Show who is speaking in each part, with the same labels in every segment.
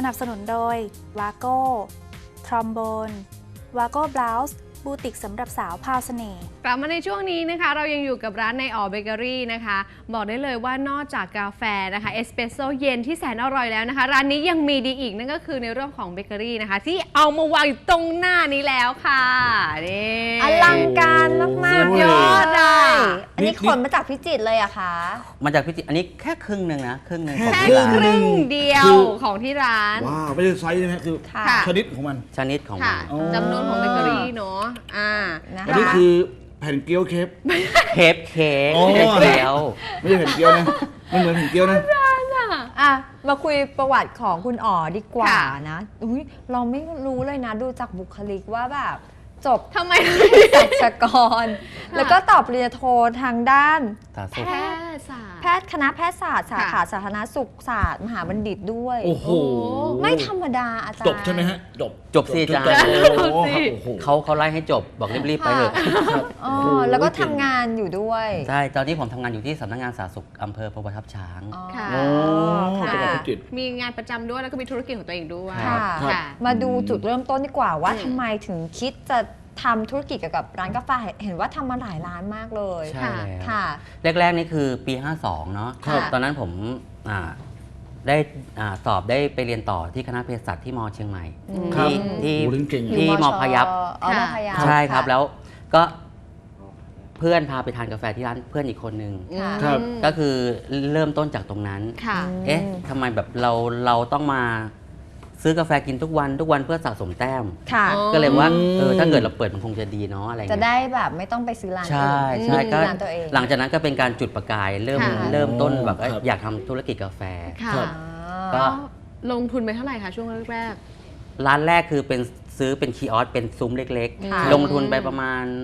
Speaker 1: นับสนุนโดยวาโก้ทรอมโบนวาโก้บลาส์บูติกสำหรับสาวพาวเสน่ห์
Speaker 2: กลับมาในช่วงนี้นะคะเรายังอยู่กับร้านในอ๋อเบเกอรี่นะคะบอกได้เลยว่านอกจากกาแฟนะคะเอสเปรสโซ่เย็นที่แสนอร่อยแล้วนะคะร้านนี้ยังมีดีอีกนั่นก็คือในเรื่องของเบเกอรี่นะคะที่เอามาวางอยู่ตรงหน้านี้แล้วค่ะนี่
Speaker 3: อลังการมากๆ
Speaker 2: ยอดอ่ะ
Speaker 3: อันนี้ขนมาจากพิจิตรเลยอะคะ
Speaker 4: มาจากพิจิตรอันนี้แค่ครึ่งหนึ่งนะครึ่งหนึ่งของ
Speaker 2: แค่
Speaker 4: ที่ร้าน
Speaker 2: ครึ่งเดียวของที่ร้าน
Speaker 5: ว้าวไม่ใช่ไซส์ใช่ไหมคือชนิดของมัน
Speaker 4: ชนิดของมั
Speaker 2: ค่ะ
Speaker 4: น
Speaker 2: จำนวนของเบเกอรี่เนาะ
Speaker 3: นะคะ
Speaker 5: อันนี้คือแผ่นเกี๊ยวเคฟ
Speaker 4: เคปเค้ก
Speaker 5: อ๋อ
Speaker 4: ไม่ใช่เกี๊ยว
Speaker 5: ไม่ใช่แผ่นเกี๊ยวนะไม่เหมือนแผ่นเกี๊ยวนะ
Speaker 3: อ่ะมาคุยประวัติของคุณอ๋อดีกว่า
Speaker 2: ค่ะ
Speaker 3: นะอุ๊ยเราไม่รู้เลยนะดูจากบุคลิกว่าแบบจบ
Speaker 2: ทำไม
Speaker 3: ศัลยกร แล้วก็ตอบปริญญาโททางด้าน
Speaker 4: สา
Speaker 2: แพ
Speaker 4: สุข
Speaker 2: ทยศาสตร์
Speaker 3: แพทย์คณะแพทยศาสตร์สาขาสาธารณสุขศาสตร์มหาบัณฑิตด้วย
Speaker 5: โอ้โห
Speaker 3: ไม่ธรรมดาอาจารย์
Speaker 5: จบใช่ไหมฮะจบ
Speaker 4: จบสิอาจารย์
Speaker 5: โอ้โหครับโอ้โห
Speaker 4: เขาไล่ให้จบบอกรีบๆไปเถอะ
Speaker 5: ครับ
Speaker 3: อ๋อ
Speaker 5: โอ้โห
Speaker 3: แล้วก็ทำงานอยู่ด้วย
Speaker 4: ใช่ตอนนี้ผมทำงานอยู่ที่สำนักงานสาธารณสุขอำเภอประทับช้าง
Speaker 3: อ๋อ
Speaker 2: ค่ะ
Speaker 5: โอ้
Speaker 3: ค่ะ
Speaker 5: จังหวัดพิจิตร
Speaker 2: มีงานประจำด้วยแล้วก็มีธุรกิจของตัวเองด้วย
Speaker 3: ค่ะ
Speaker 2: ค่ะ
Speaker 3: มาดูจุดเริ่มต้นดีกว่าว่า
Speaker 2: อืม
Speaker 3: ทำไมถึงคิดจะทำธุรกิจเกี่ยวกับร้านกาแฟเห็นว่าทำมาหลายร้านมากเลย
Speaker 4: ใช่แล้ว
Speaker 3: ค่ะ
Speaker 4: แรกๆนี่คือปี 52 เนาะ
Speaker 3: ครับ
Speaker 4: ตอนนั้นผมได้สอบได้ไปเรียนต่อที่คณะเภสัชที่มเชียงใหม่
Speaker 5: ครับ
Speaker 4: ที่
Speaker 5: โอ้โหเก่ง
Speaker 4: ที่มพยัพ
Speaker 3: อ๋อมพยัพ
Speaker 4: ใช่ครับ
Speaker 3: ะ
Speaker 4: แล้วก็เพื่อนพาไปทานกาแฟที่ร้านเพื่อนอีกคนนึง
Speaker 3: ค่ะ
Speaker 5: ครับ
Speaker 4: ก็คือเริ่มต้นจากตรงนั้น
Speaker 2: ค่ะ
Speaker 4: เอ๊ะทำไมแบบเราต้องมาซื้อกาแฟกินทุกวันเพื่อสะสมแต้ม
Speaker 3: ค่ะ
Speaker 2: อ๋อ
Speaker 4: ก็เลยว่าถ้าเกิดเราเปิดมันคงจะดีเนาะอะไร
Speaker 3: จะ
Speaker 4: เงี้ย
Speaker 3: ได้แบบไม่ต้องไปซื้อร้าน
Speaker 4: ใช่
Speaker 3: อื่น
Speaker 4: ใช่ก็
Speaker 3: มีร้านตัวเอง
Speaker 4: หลังจากนั้นก็เป็นการจุดประกายเริ่มต้นแบบว่า
Speaker 5: ครับ
Speaker 4: อยากทำธุรกิจกาแฟ
Speaker 2: ค่ะ
Speaker 5: ครับ
Speaker 4: ก็
Speaker 2: ลงทุนไปเท่าไหร่คะช่วงแรก
Speaker 4: ร้านแรกคือเป็นซื้อเป็นคีออสเป็นซุ้มเล็ก
Speaker 3: ค่ะ
Speaker 4: ๆ ลงทุนไปประมาณ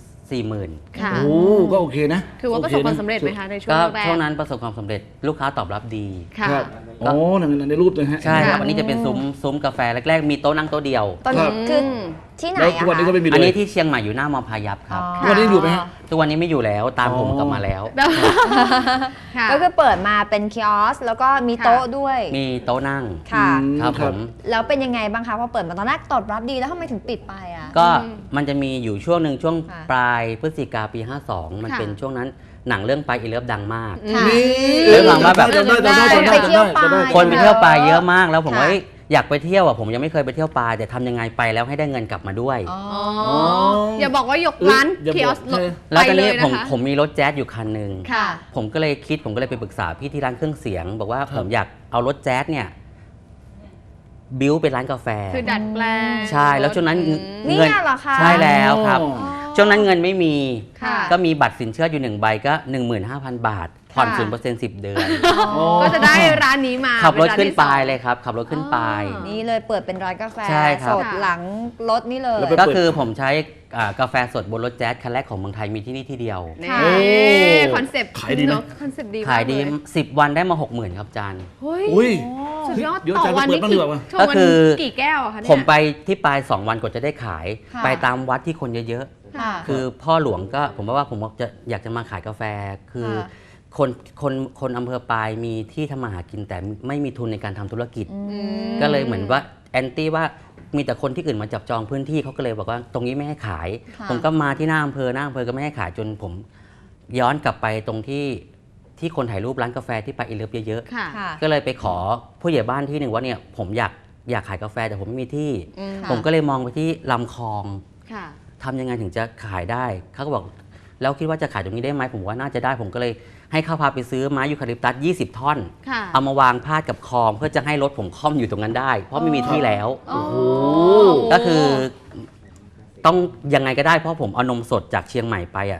Speaker 4: 40,000
Speaker 2: ค่ะ
Speaker 5: โอ้ก็โอเคนะ
Speaker 2: คือว่าประสบความสำเร็จไหมคะในช่วง
Speaker 4: ก็
Speaker 2: แรก
Speaker 4: ช่วงนั้นประสบความสำเร็จลูกค้าตอบรับดี
Speaker 2: ค่ะ
Speaker 5: ครับโอ้ในรูปเลยฮะ
Speaker 4: ใช่ครับ
Speaker 2: ค่ะ
Speaker 4: อันนี้จะเป็นซุ้มกาแฟแรกๆ มีโต๊ะนั่งโต๊ะเดียว
Speaker 3: ตอน
Speaker 5: ครั
Speaker 3: นี้
Speaker 5: บ
Speaker 3: คือที่ไหน
Speaker 5: แล้ว
Speaker 3: อะ
Speaker 5: ทุกวันนี้ก็
Speaker 3: คะ
Speaker 5: ไม่มีเลย
Speaker 4: อันนี้ที่เชียงใหม่อยู่หน้ามอพายัพครับ
Speaker 5: ทุกวันนี้อยู่ไหมฮะ
Speaker 4: ทุกวันนี้ไม่อยู่แล้วตามผมกลับมาแล้ว
Speaker 2: ค่ะ
Speaker 3: ก็คือเปิดมาเป็นคิออสแล้วก็มีโต๊ะด้วย
Speaker 4: มีโต๊ะนั่ง
Speaker 3: ค่ะ
Speaker 4: ครับผม
Speaker 3: แล้วเป็นยังไงบ้างคะพอเปิดมาตอนแรกตอบรับดีแล้วทำไมถึงปิดไปอ่ะ
Speaker 4: ก็มันจะมีอยู่ช่วงหนึ่งช่วง
Speaker 3: ค่ะ
Speaker 4: ปลายพฤศจิกาปี 52 มัน
Speaker 2: ค่ะ
Speaker 4: เป็นช่วงนั้นหนังเรื่องไปอีเลิฟดังมาก
Speaker 3: ค่ะ
Speaker 5: นี่
Speaker 4: เรื่องความว่าแบบ
Speaker 5: จำได้จำได้จำได้
Speaker 3: ไปเที่ยวปลา
Speaker 5: จำได้
Speaker 4: คนไปเที่ยวปลายเยอะมากแล้วผมว่า
Speaker 3: ค่ะ
Speaker 4: เอ้ยอยากไปเที่ยวอ่ะผมยังไม่เคยไปเที่ยวปลายแต่ทำยังไงไปแล้วให้ได้เงินกลับมาด้วย
Speaker 3: อ๋อ
Speaker 2: อ๋ออย่าบอกว่ายกร้าน
Speaker 5: อย่าบอก
Speaker 2: คิออส
Speaker 5: ใช่
Speaker 4: แล้วตอนนี้
Speaker 2: ไปเลยนะคะ
Speaker 4: ผมมีรถแจ๊สอยู่คันหนึ่ง
Speaker 2: ค่ะ
Speaker 4: ผมก็เลยไปปรึกษาพี่ที่ร้านเครื่องเสียง บอกว่า
Speaker 5: ครับ
Speaker 4: ผมอยากเอารถแจ๊สเนี่ยบิวเป็นร้านกาแฟ
Speaker 2: คือดัดแปลง
Speaker 4: ใช่แล้วช่วงนั้น
Speaker 3: นี่
Speaker 4: เงิน
Speaker 3: เหรอคะ
Speaker 4: ใช่แล้วครับ
Speaker 5: อ๋อ
Speaker 4: ช่วงนั้นเงินไม่มี
Speaker 2: ค่ะ
Speaker 4: ก็มีบัตรสินเชื่ออยู่1 ใบก็ 15,000 บาท ผ่อน
Speaker 2: ค่ะ
Speaker 4: 0% 10 เดือน
Speaker 2: ก็จะได้ร้านนี้มา
Speaker 4: ขับรถ
Speaker 2: เป็
Speaker 4: ขึ้น
Speaker 2: ที่
Speaker 4: ปลาย
Speaker 2: สอง
Speaker 4: เลยครับ ขับรถขึ้นปลาย
Speaker 2: อ๋อ
Speaker 3: นี่เลยเปิดเป็นร้านกาแฟ
Speaker 4: ใช่ครับ
Speaker 3: สดหลังรถนี่เลย
Speaker 5: แล้วไป
Speaker 4: ก็คือผมใช้กาแฟสดบนรถแจ๊สคันแรกของเมืองไทยมีที่นี่ที่เดียว
Speaker 2: นี่
Speaker 3: ค่ะ
Speaker 2: คอนเซ็ปต์
Speaker 5: ขายดีนะ
Speaker 2: เนอะคอนเซ็ปต์ดีมก
Speaker 4: ขายดี
Speaker 2: เล
Speaker 4: 10 วันได้มา 60,000 ครับอาจารย์
Speaker 2: เฮ้ย
Speaker 5: อุ้ย
Speaker 2: สุดยอด
Speaker 5: เดี๋ยว
Speaker 2: ต่อ
Speaker 5: อาจารย์
Speaker 2: วัน
Speaker 5: เปิด
Speaker 2: นี่
Speaker 5: บ้างดีกว่า
Speaker 2: ชง
Speaker 4: ก็คือ
Speaker 2: กี่แก้วอะคะเนี่ย
Speaker 4: ผมไปที่ปลาย 2 วันกว่าจะได้ขาย
Speaker 3: ค่ะ
Speaker 4: ไปตามวัดที่คนเยอะ
Speaker 3: ค่ะ
Speaker 4: ๆ คือพ่อหลวงก็ผมว่าผมอยากจะมาขายกาแฟ คือ
Speaker 3: ค่ะ
Speaker 4: คนอำเภอปลายมีที่ทำมาหากินแต่ไม่มีทุนในการทำธุรกิจ
Speaker 3: อืม
Speaker 4: ก็เลยเหมือนว่าแอนตี้ว่ามีแต่คนที่อื่นมาจับจองพื้นที่เขาก็เลยบอกว่าตรงนี้ไม่ให้ขาย
Speaker 3: ค่ะ
Speaker 4: ผมก็มาที่หน้าอำเภอก็ไม่ให้ขายจนผมย้อนกลับไปตรงที่คนถ่ายรูปร้านกาแฟที่ไปอีเลิฟเยอะ
Speaker 2: ค่ะ
Speaker 3: ค่ะ
Speaker 4: ๆก็เลยไปขอผู้ใหญ่บ้านที่หนึ่งว่าเนี่ยผมอยากขายกาแฟแต่ผมไม่มีที่
Speaker 2: อืม
Speaker 3: ค่ะ
Speaker 4: ผมก็เลยมองไปที่ลำคลอง
Speaker 2: ค่ะ
Speaker 4: ทำยังไงถึงจะขายได้เขาก็บอกแล้วคิดว่าจะขายตรงนี้ได้ไหมผมว่าน่าจะได้ผมก็เลยให้เขาพาไปซื้อไม้ยูคาลิปตัส20 ท่อน
Speaker 2: ค่ะ
Speaker 4: เอามาวางพาดกับคลองเพื่อจะให้รถผมค่อมอยู่ตรงนั้นได้ เพราะไม่มีที่แล้ว
Speaker 2: โอ้โห
Speaker 4: ก็คือต้องยังไงก็ได้เพราะผมเอานมสดจากเชียงใหม่ไปอ่ะ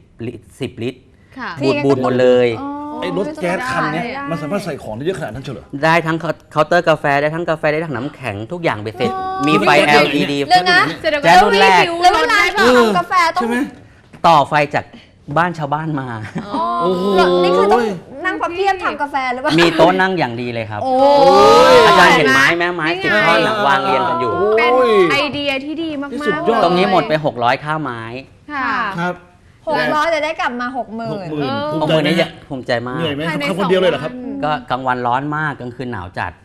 Speaker 4: 10 ลิตร
Speaker 2: ค่ะ
Speaker 4: บูดหมดเลย
Speaker 5: ไอ้รถแก๊สคันเนี้ย
Speaker 3: ได้
Speaker 5: มันสามารถใส่ของได้เยอะขนาดนั้นเฉลย
Speaker 4: ได้ทั้งเคาน์เตอร์กาแฟได้ทั้งกาแฟได้ทั้งน้ำแข็งทุกอย่างไปเสร็จ มีไฟ
Speaker 5: เดี๋ยว
Speaker 4: LED
Speaker 3: เดี๋ยวนะ
Speaker 2: เสร็จแล้ว
Speaker 4: แจ๊สรุ่นแรก
Speaker 3: แล้วเวลาทำกาแฟต้อง
Speaker 5: ใช่ไหม
Speaker 4: ต่อไฟจากบ้านชาวบ้านมา
Speaker 5: โอ้โห
Speaker 3: นี่คือต้องนั่งพับเพียบทำกาแฟหรือเปล่า
Speaker 4: มีโต๊ะนั่งอย่างดีเลยครับ
Speaker 3: โอ้
Speaker 4: อาจารย์เห็นไม้ไหมไม้10 ท่อนน่ะวางเรียงกันอยู่
Speaker 2: เป็น
Speaker 5: โอ้ย
Speaker 2: ไอเดียที่ดีมาก
Speaker 5: ที่
Speaker 2: ๆ
Speaker 5: สุดยอด
Speaker 4: ตรงนี้หมดไป600ค่าไม้
Speaker 2: ค่ะ
Speaker 5: ครับ
Speaker 3: 600จะได้กลับมา 60,000
Speaker 5: 60,000
Speaker 4: ตรงนี้เนี่ยภูมิใจมาก
Speaker 5: เหนื่อยไหม
Speaker 2: ภายใน
Speaker 5: ทำคนเดียวเลยเหรอครับ
Speaker 2: 2 วัน
Speaker 4: ก็กลางวันร้อนมากกลางคืนหนาวจัด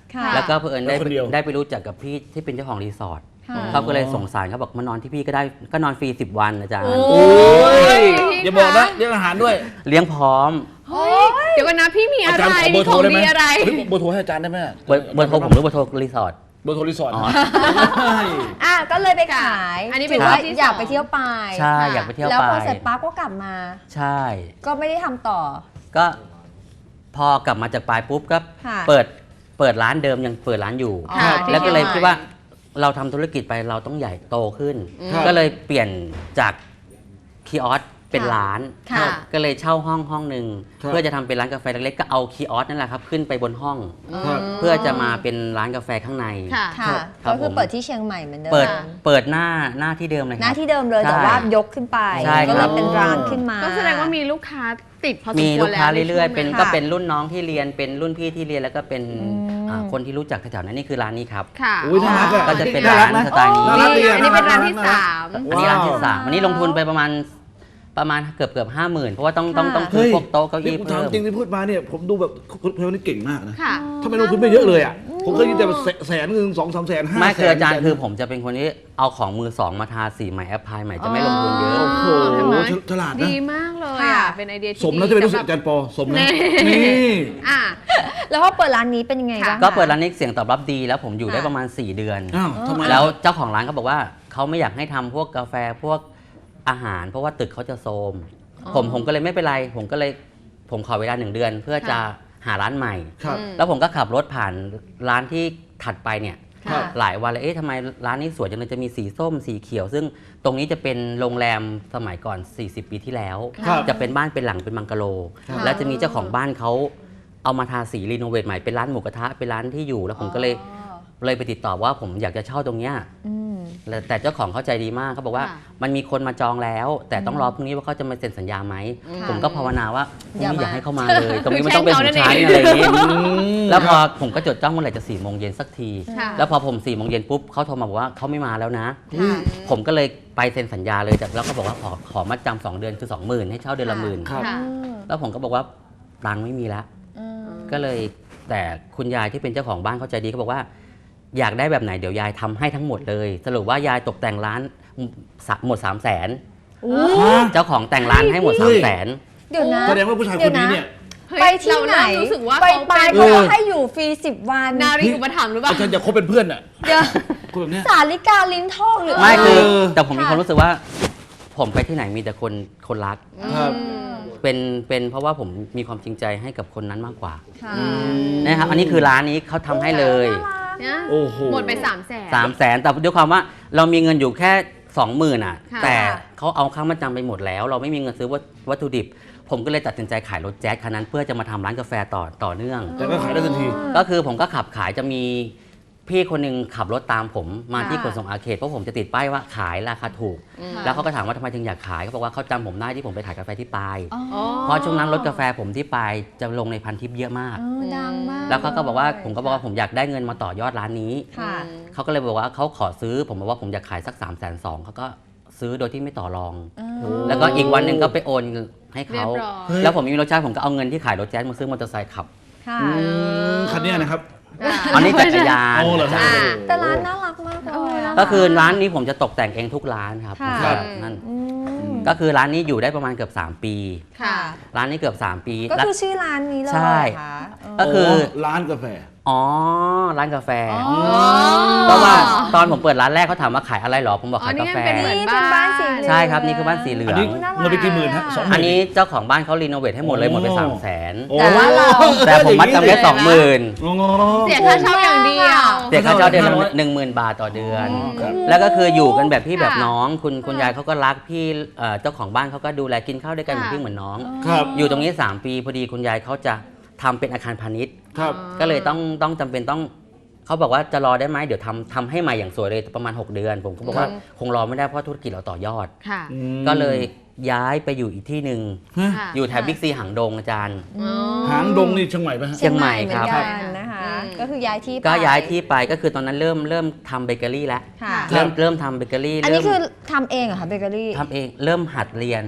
Speaker 3: ค่ะ
Speaker 4: แล้วก็เพื่อนได้
Speaker 5: แล้วคนเดียว
Speaker 4: ได้ไปรู้จักกับพี่ที่เป็นเจ้าของรีสอร์ท
Speaker 3: ค่ะ
Speaker 4: เขาก็เลยสงสารเขาบอกมานอนที่พี่ก็ได้ก็นอนฟรี10 วันอาจารย์
Speaker 2: โอ้
Speaker 5: โอ้ยอย่าบอกนะเรื่องอาหารด้วย
Speaker 4: เลี้ยงพร้อม
Speaker 2: เฮ้ยเดี๋ยวกันนะพี่มีอะ
Speaker 5: อา
Speaker 2: ไร
Speaker 5: จารย์ขอเบอร์โทร
Speaker 2: ของ
Speaker 5: ได้ไหม
Speaker 2: ดีอะไร
Speaker 5: เฮ้ยเบอร์โทรให้อาจารย์ได้ไหม
Speaker 4: เบอร์โทรผมหรือเบอร์โทรรีสอร์ท
Speaker 5: เบอร์โทรรีสอร์ท
Speaker 4: อ๋อ
Speaker 3: ก็เลยไปขาย
Speaker 2: อันนี้เป็น
Speaker 3: ถืว่า
Speaker 2: ที่
Speaker 3: อยาก
Speaker 2: สอง
Speaker 3: ไปเที่ยวไป
Speaker 4: ใช่อยากไปเที่ยว
Speaker 3: แล้ว
Speaker 4: ไป
Speaker 3: พอเสร็จปั๊บก็กลับมา
Speaker 4: ใช่
Speaker 3: ก็ไม่ได้ทำต่อ
Speaker 4: ก็พอกลับมาจากปลายปุ๊บก็
Speaker 3: ค่ะ
Speaker 4: เปิดร้านเดิมยังเปิดร้านอยู่
Speaker 2: ค่ะ
Speaker 4: แล้วก็เลย
Speaker 2: ที่
Speaker 4: คิดว่าเราทำธุรกิจไปเราต้องใหญ่โตขึ้น
Speaker 5: ครับ
Speaker 4: ก็เลยเปลี่ยนจากคีออสเป็น
Speaker 3: ค่ะ
Speaker 4: ร้าน
Speaker 3: ค่ะ
Speaker 4: ก็เลยเช่าห้องหนึ่ง
Speaker 5: ครับ
Speaker 4: เพื่อจะทำเป็นร้านกาแฟเล็กๆก็เอาคีออสนั่นแหละครับขึ้นไปบนห้อง
Speaker 5: ครับ
Speaker 4: เพื่อจะมาเป็นร้านกาแฟข้างใน
Speaker 2: ค่ะ
Speaker 3: ค่ะ
Speaker 4: ครั
Speaker 3: ก็
Speaker 4: บ
Speaker 3: คือ
Speaker 4: ผม
Speaker 3: เปิดที่เชียงใหม่เหมือนเดิม
Speaker 4: เปิดหน้าที่เดิมเลย
Speaker 3: ห
Speaker 4: ค
Speaker 3: น้า
Speaker 4: รับ
Speaker 3: ที่เดิมเลย
Speaker 4: ใช่
Speaker 3: แต่ว่ายกขึ้นไป
Speaker 4: ใช่
Speaker 3: ก็
Speaker 4: ค
Speaker 3: เล
Speaker 4: รั
Speaker 3: ย
Speaker 4: บ
Speaker 3: เป็นร้านขึ้นมา
Speaker 2: ก็แสดงว่ามีลูกค้าติดพอสม
Speaker 4: มี
Speaker 2: คว
Speaker 4: ลู
Speaker 2: ร
Speaker 4: ก
Speaker 2: แล้ว
Speaker 4: ค้าเรื่อยๆ เป็น
Speaker 3: ค่ะ
Speaker 4: ก็เป็นรุ่นน้องที่เรียนเป็นรุ่นพี่ที่เรียนแล้วก็เป็น
Speaker 3: อืม
Speaker 4: คนที่รู้จักแถวๆนั้นนี่คือร้านนี้ครับ
Speaker 2: ค่ะ
Speaker 5: อุ๊ยน่ารักอะ
Speaker 4: ก็จะเป็น
Speaker 5: น่ารั
Speaker 4: ร้าก น
Speaker 5: นะ
Speaker 4: สไตล์นี้
Speaker 5: น่ารักดี
Speaker 2: อันนี้เป็นร้านที่
Speaker 5: น่ารัก
Speaker 2: สาม
Speaker 4: อันนี้ร้านที่
Speaker 5: ว้าว
Speaker 4: สามอันนี้ลงทุนไปประมาณเกือบ50,000เพราะว่าต้องซื้อพวกโต๊ะเก้าอี้
Speaker 5: ผม
Speaker 4: เพิ่
Speaker 5: ถาม
Speaker 4: ม
Speaker 5: จริงที่พูดมาเนี่ยผมดูแบบคุณเพลนี่เก่งมากนะ
Speaker 2: ค่ะ
Speaker 5: ทำไมลงทุนไม่เยอะเลยอ่ะผมเคยยินแต่แสนหนึ่ง2-3 แสน 5
Speaker 4: ไม่คืออาจารย์
Speaker 5: แสน
Speaker 4: คือผมจะเป็นคนที่เอาของมือสองมาทาสีใหม่แอปพลายใหม่จะไม่ลงทุนเยอะ
Speaker 5: โอ้โห
Speaker 2: เห็นไหม
Speaker 5: ฉลาดนะ
Speaker 2: ดีมากเลย
Speaker 3: ค่ะ
Speaker 2: อ่ะ เป็นไอเดียที่
Speaker 5: สมแล้วจะเป็นลูกศิษย์อาจารย์ปอสมนะนี่
Speaker 2: อ่ะ
Speaker 3: แล้วพอเปิดร้านนี้เป็นยังไงบ้าง
Speaker 4: ก็
Speaker 3: คะ
Speaker 4: เปิดร้านนี้เสียงตอบรับดีแล้วผมอยู่ได้
Speaker 3: ค่ะ
Speaker 4: ประมาณ 4 เดือน
Speaker 5: อ้าวทำไม
Speaker 4: แล้วเจ้าของร้านเขาบอกว่าเขาไม่อยากให้ทำพวกกาแฟพวกอาหาร เพราะว่าตึกเขาจะโทรมผมก็เลยไม่เป็นไร ผมขอเวลา1 เดือน เพื่อจะหาร้านใหม่
Speaker 5: ครับ
Speaker 4: แล้วผมก็ขับรถผ่านร้านที่ถัดไปเนี่ย
Speaker 5: ครับ
Speaker 4: หลายวันเลยทำไมร้านนี้สวยจังเลยจะมีสีส้มสีเขียว ซึ่งตรงนี้จะเป็นโรงแรมสมัยก่อน 40 ปีที่แล้ว
Speaker 5: ครับ
Speaker 4: จะเป็นบ้านเป็นหลังเป็นบังกะโล
Speaker 5: ครับ
Speaker 4: แล้วจะมีเจ้าของบ้านเขาเอามาทาสีรีโนเวทใหม่เป็นร้านหมูกระทะเป็นร้านที่อยู่แล้วผมก็เลยไปติดต่อว่าผมอยากจะเช่าตรงเนี้ย
Speaker 3: อืม
Speaker 4: แต่เจ้าของเขาใจดีมากเขาบอกว่า
Speaker 2: ค่ะ
Speaker 4: มันมีคนมาจองแล้ว แต่ต้องรอพรุ่งนี้ว่าเขาจะมาเซ็นสัญญาไหม
Speaker 3: ค่ะ
Speaker 4: ผมก็ภาวนาว่าพรุ่งนี้อย่
Speaker 3: อา
Speaker 4: ย่า
Speaker 3: มา
Speaker 4: ให้เขามาเลย ตรงนี้มันต้องเป็น
Speaker 2: แช่
Speaker 4: ของ
Speaker 2: งเขา
Speaker 4: ฉัน
Speaker 2: นั่นเอง
Speaker 4: อะไรอย่างนี้
Speaker 5: ม
Speaker 4: แล้วพอผมก็จดจ้องเมื่อไหร่จะ4 โมงเย็นสักที
Speaker 2: ค่ะ
Speaker 4: แล้วพอผม4 โมงเย็นปุ๊บเขาโทรมาบอกว่าเขาไม่มาแล้วนะ
Speaker 3: ค่ะ
Speaker 4: ผมก็เลยไปเซ็นสัญญาเลยแล้วก็บอกว่าขอมัดจำ2 เดือนคือ 20,000ให้เช่าเดือนละ
Speaker 3: ค่ะ
Speaker 4: 10,000
Speaker 5: ครับ
Speaker 2: ค่ะ
Speaker 4: แล้วผมก็บอกว่าตังค์ไม่มีแล้ว
Speaker 3: อืม
Speaker 4: ก็เลยแต่คุณยายที่เป็นเจ้าของบ้านเขาใจดีเขาบอกว่า อยากได้แบบไหนเดี๋ยวยายทำให้ทั้งหมดเลย สรุปว่ายายตกแต่งร้านหมด 300,000เจ้าของแต่งร้านให้หมด
Speaker 5: เฮ้ย
Speaker 4: 300,000
Speaker 3: เดี๋ยวนะ
Speaker 5: แสดงว่าผู้ชายคนนี้เนี่ย
Speaker 2: เฮ้ย
Speaker 3: ไปที่ไหน
Speaker 2: เราเริ่มรู้สึกว่า
Speaker 3: ไป
Speaker 2: เขา
Speaker 3: ไป
Speaker 2: เป็น
Speaker 3: เขาก็ให้อยู่ฟรี10 วัน
Speaker 2: นารีอุปถัมภ์หรือเปล่า
Speaker 5: อาจารย์อยากคบเป็นเพื่อนอ่ะ
Speaker 3: เดี๋ยว
Speaker 5: คนแบบเนี้ย
Speaker 3: สาลิกาลิ้นทองหรือ
Speaker 4: ไม่คือ
Speaker 5: เออ
Speaker 4: แต่ผมมี
Speaker 3: ค่ะ
Speaker 4: ความรู้สึกว่า ผมไปที่ไหนมีแต่คนรัก
Speaker 5: ครับ
Speaker 4: เป็นเพราะว่าผมมีความจริงใจให้กับคนนั้นมากกว่า
Speaker 3: ค่ะ
Speaker 4: นะครับอันนี้คือร้านนี้เขาทำให้เลย
Speaker 2: เนี่ย
Speaker 5: โอ้โห
Speaker 2: หมดไป300,000
Speaker 4: 300,000แต่ด้วยความว่าเรามีเงินอยู่แค่ 20,000อ่ะ
Speaker 2: ค่ะ
Speaker 4: แต่เขาเอาค่ามาจำไปหมดแล้ว เราไม่มีเงินซื้อวัตถุดิบ ผมก็เลยตัดสินใจขายรถแจ๊สคันนั้น เพื่อจะมาทำร้านกาแฟต่อเนื่อง
Speaker 5: แต่ก็ขายได้ทันที
Speaker 4: ก็คือผมก็ขับขายจะมีพี่คนหนึงขับรถตามผมมาที่
Speaker 3: ค่ะ
Speaker 4: ขนส่งอาเขตเพราะผมจะติดป้ายว่าขายราคาถูก แล้วเขาก็ถามว่าทำไมถึงอยากขายเขาบอกว่าเขาจำผมได้ที่ผมไปขายกาแฟที่ปาย
Speaker 3: อ๋อ
Speaker 2: อ๋อ
Speaker 4: เพราะช่วงนั้นรถกาแฟผมที่ปายจะลงในพันทิปเยอะมาก
Speaker 3: เออดังมาก
Speaker 4: แล้วเขาก็บอกว่าผมก็บอกว่าผมอยากได้เงินมาต่อยอดร้านนี้
Speaker 3: ค่ะ
Speaker 4: เขาก็เลยบอกว่าเขาขอซื้อผมบอกว่าผมอยากขายสัก320,000เขาก็ซื้อโดยที่ไม่ต่อรอง แล้วก็อีกวันหนึ่งก็ไปโอนให้
Speaker 2: เรีย
Speaker 4: เขา
Speaker 2: บร้อย
Speaker 5: เฮ้ย
Speaker 4: แล้วผมมีรถใช้ผมก็เอาเงินที่ขายรถแจ๊สมาซื้อมอเตอร์ไซค์ขับ
Speaker 3: ค่ะ
Speaker 5: คันเนี้ยนะครับ
Speaker 4: อันนี้จักรยาน
Speaker 5: โอ้เหรอฮะ
Speaker 2: อ่า
Speaker 3: แต่ร้านน่ารักมากเลยะ
Speaker 4: ก็คือร้านนี้ผมจะตกแต่งเองทุกร้านครับ
Speaker 3: ค่ะ
Speaker 4: ผมจะนั่น
Speaker 3: อืม
Speaker 4: ก็คือร้านนี้อยู่ได้ประมาณเกือบ3 ปี
Speaker 2: ค่ะ
Speaker 4: ร้านนี้เกือบ3 ปี
Speaker 3: ก็
Speaker 4: แล้ว
Speaker 3: คือชื่อร้านนี้เลย
Speaker 4: ใช่
Speaker 3: เหรอค่ะ
Speaker 4: ก็คือ
Speaker 5: ร้านกาแฟ
Speaker 4: อ๋อร้านกาแฟ
Speaker 3: อ๋อ
Speaker 4: เพราะว่าตอนผมเปิดร้านแรกเขาถามว่าขายอะไรหรอผมบอก
Speaker 2: อ๋อ
Speaker 4: ขาย
Speaker 2: นี่
Speaker 4: กา
Speaker 2: มัน
Speaker 4: แฟ
Speaker 2: เป็นเหมือน
Speaker 3: นี่เป็นบ้านสีเหลือง
Speaker 4: ใช่ครับนี่คือบ้านสีเหลื
Speaker 5: อั
Speaker 4: อน ง
Speaker 5: นี้เงินไปกี่หมื่นฮะ20,000
Speaker 4: อันนี้เจ้าของบ้านเขารีโนเวทให้หมดเลยหมดไป300,000
Speaker 5: โอ้
Speaker 3: แต่ว่าเรา
Speaker 4: แต่ผมมัดจำแค่
Speaker 2: เดี๋ยวนะ
Speaker 4: 20,000
Speaker 5: งงๆ
Speaker 2: เสียค่าเช่าอย่างเดียว
Speaker 4: เสียค่าเช่าเดือนละ
Speaker 5: 500
Speaker 4: 10,000 บาทต่อเดือน
Speaker 5: อ๋อครับ
Speaker 4: แล้วก็คืออยู่กันแบบพี่
Speaker 2: ค่ะ
Speaker 4: แบบน้อง คุณยายเขาก็รักพี่เจ้าของบ้านเขาก็ดูแลกินข้าวด้วยกันเหมือน
Speaker 2: ค่ะ
Speaker 4: พี่เหมือนน้อง
Speaker 5: ครับ
Speaker 4: อยู่ตรงนี้ 3 ปีพอดีคุณยายเขาจะทำเป็นอาคารพาณิชย์
Speaker 5: ครับ
Speaker 4: ก็เลยต้องจำเป็นต้องเขาบอกว่าจะรอได้ไหมเดี๋ยวทำให้ใหม่อย่างสวยเลยประมาณ 6 เดือน ผมก็บอกว่าคงรอไม่ได้เพราะธุรกิจเราต่อยอด
Speaker 2: ค่ะ
Speaker 4: ก็เลยย้ายไปอยู่อีกที่หนึ่ง
Speaker 2: ค่ะ
Speaker 4: อยู่แถบบิ๊กซีหางดงอาจารย์
Speaker 2: อ๋อ
Speaker 5: หางดงนี่เชียงใหม่ไหมฮะ
Speaker 4: เชียงใหม่ครับ
Speaker 3: เหมือนกันนะคะ ก็คือย้ายที่ไป
Speaker 4: ก็ย้ายที่ไปก็คือตอนนั้นเริ่มทำเบเกอรี่แล้ว
Speaker 3: ค่ะ
Speaker 4: เริ่มทำเบเกอรี่
Speaker 3: อันนี้
Speaker 4: เริ่ม
Speaker 3: คือทำเองเหรอคะเบเกอรี่
Speaker 4: ทำเองเริ่มหัดเรียน